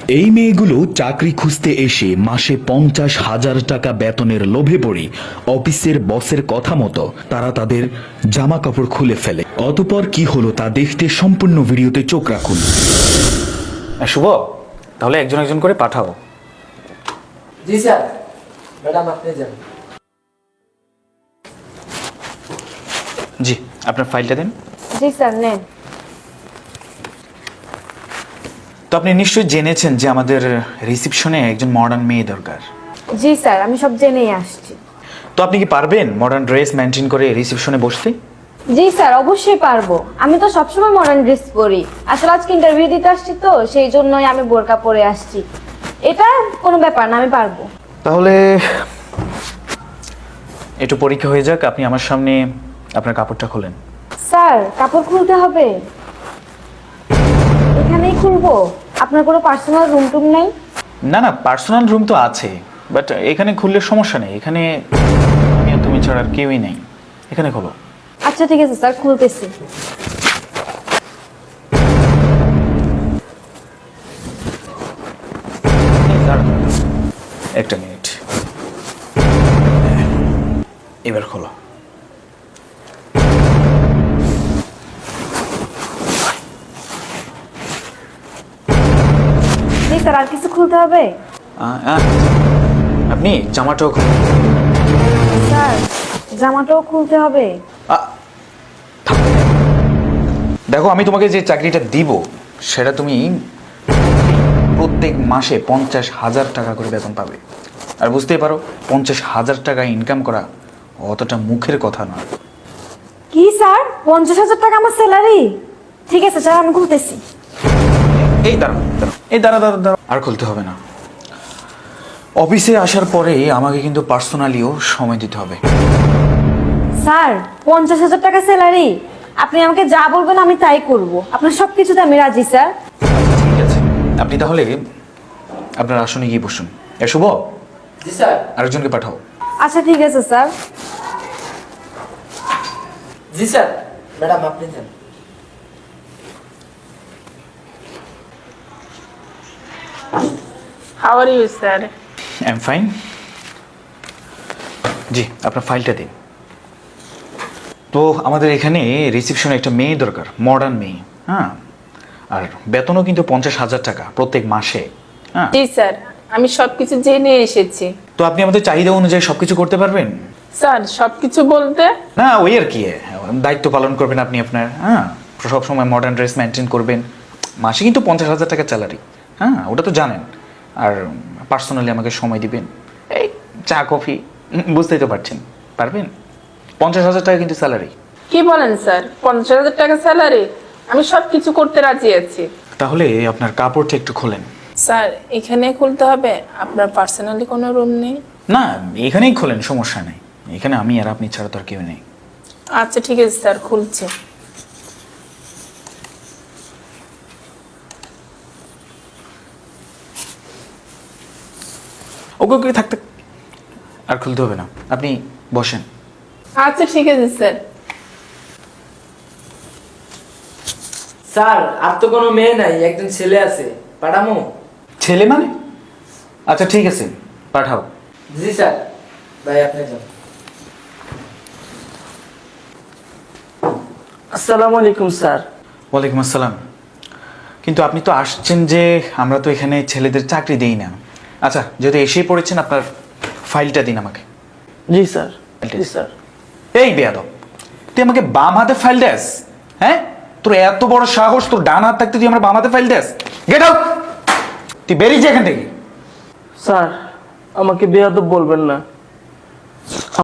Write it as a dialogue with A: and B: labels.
A: এই মেয়েগুলো চাকরি খুঁজতে এসে মাসে 50,000 টাকা বেতনের লোভে পড়ে অফিসের বসের কথা মতো তারা তাদের জামা কাপড় খুলে ফেলে। অতঃপর কি হলো তা দেখতে সম্পূর্ণ ভিডিওতে চোখ রাখুন।
B: শুভ, তাহলে একজন একজন করে পাঠাও।
C: জি স্যার। ম্যাডাম আপনি যান।
B: জি, আপনার ফাইলটা দিন।
D: জি স্যার, নেন।
B: তো আপনি নিশ্চয়ই জেনেছেন যে আমাদের রিসেপশনে একজন মডার্ন মেয়ে দরকার।
D: জি স্যার, আমি সব জেনেই আসছি।
B: তো আপনি কি পারবেন মডার্ন ড্রেস মেনটেন করে রিসেপশনে বসতে?
D: জি স্যার, অবশ্যই পারবো। আমি তো সবসময় মডার্ন ড্রেস পরি। আসলে আজকে ইন্টারভিউ দিতে আসছি তো, সেই জন্যই আমি বোরকা পরে আসছি। এটা কোনো ব্যাপার না, আমি পারবো।
B: তাহলে একটু পরীক্ষা হয়ে যাক। আপনি আমার সামনে আপনার কাপড়টা খোলেন।
D: স্যার, কাপড় খুলতে হবে? এখানেই খুলবো? আপনার কোনো পার্সোনাল রুম টুম নাই?
B: না না, পার্সোনাল রুম তো আছে, বাট এখানে খুললে সমস্যা নেই। এখানে আমি আর তুমি ছাড়া আর কেউই নেই। এখানে খোলো।
D: আচ্ছা ঠিক আছে স্যার, খুলতেছি।
B: একটা মিনিট, এবার খোলো।
D: জি স্যার, আর কিছু খুলতে হবে?
B: আপনি জামাটাও খুলুন।
D: স্যার, জামাটাও খুলতে হবে?
B: দেখো, আমি তোমাকে যে চাকরিটা দিব সেটা তুমি প্রত্যেক মাসে 50,000 টাকা করে বেতন পাবে। আর বুঝতেই পারো 50,000 টাকা ইনকাম করা অতটা মুখের কথা নয়।
D: কি স্যার, 50,000 টাকা আমার স্যালারি? ঠিক আছে স্যার, আমি খুলতেছি।
B: এই দাঁড়াও দাঁড়াও, এই দাঁড়া দাঁড়া দাঁড়াও, আর খুলতে হবে না। অফিসে আসার পরে আমাকে কিন্তু পার্সোনালিও সময় দিতে হবে।
D: স্যার, 50,000 টাকা স্যালারি? আপনি আমাকে যা বলবেন আমি তাই করব। আপনার সবকিছুতে আমি রাজি স্যার।
B: ঠিক আছে, আপনি তাহলে আপনার আসনে গিয়ে বসুন। শুভ,
C: জি স্যার।
B: আরেকজনকে পাঠাও।
D: আচ্ছা ঠিক আছে স্যার।
C: জি স্যার। ম্যাডাম আপনি যান।
E: How are you, sir?
B: I am fine. জি, আপনার ফাইলটা দিন। তো আমাদের এখানে রিসেপশনে একটা মেয়ে দরকার, মডার্ন মেয়ে। হ্যাঁ, আর বেতনও কিন্তু 50,000 টাকা প্রত্যেক মাসে। হ্যাঁ,
E: জি স্যার, আমি সবকিছু জেনে এসেছি।
B: তো আপনি আমাদের চাহিদা অনুযায়ী সবকিছু করতে পারবেন?
E: স্যার, সবকিছু বলতে?
B: না, ওই আর কি, দায়িত্ব পালন করবেন আপনি আপনার। হ্যাঁ, সবসময় মডার্ন ড্রেস মেনটেন করবেন। মাসে কিন্তু 50,000 টাকা স্যালারি। হ্যাঁ, ওটা তো জানেন। আর পার্সোনালি আমাকে সময় দিবেন, এই চা কফি, বুঝতেই তো পারছেন। পারবেন? 50,000 টাকা কিন্তু স্যালারি।
E: কি বলেন স্যার, 50,000 টাকা স্যালারি? আমি সবকিছু করতে রাজি আছি।
B: তাহলে আপনার কাপড়টা একটু খোলেন।
E: স্যার, এখানে খুলতে হবে? আপনার পার্সোনালি কোনো রুম নেই?
B: না, এখানেই খোলেন, সমস্যা নেই। এখানে আমি আর আপনি ছাড়া তো আর কেউ নেই।
E: আচ্ছা ঠিক আছে স্যার, খুলছি।
B: ওকে ওকে, থাকতে আর খুলতে হবে না, আপনি বসেন।
E: আচ্ছা ঠিক আছে স্যার।
C: স্যার, আর তো কোনো মেয়ে নাই, একজন ছেলে আছে। পাঠামো?
B: ছেলে মানে? আচ্ছা ঠিক আছে, পাঠাও।
C: জি স্যার। ভাই আপনি যান। আসসালামু আলাইকুম স্যার।
B: ওয়ালাইকুম আসসালাম। কিন্তু আপনি তো আসছেন যে আমরা তো এখানে ছেলেদের চাকরি দেই না। আচ্ছা, যদি এসেই পড়েছেন, আপনার ফাইলটা দিন আমাকে।
C: জি স্যার।
B: জি স্যার। এই বেয়াদব, তুই আমাকে বাম হাতে ফাইল দেস? হ্যাঁ, তোর এত বড় সাহস, তোর ডান হাত থাকতে তুই আমার বাম হাতে ফাইল দেস? গেট আউট, তুই বেরিয়ে যা এখান থেকে।
C: স্যার, আমাকে বেয়াদব বলবেন না।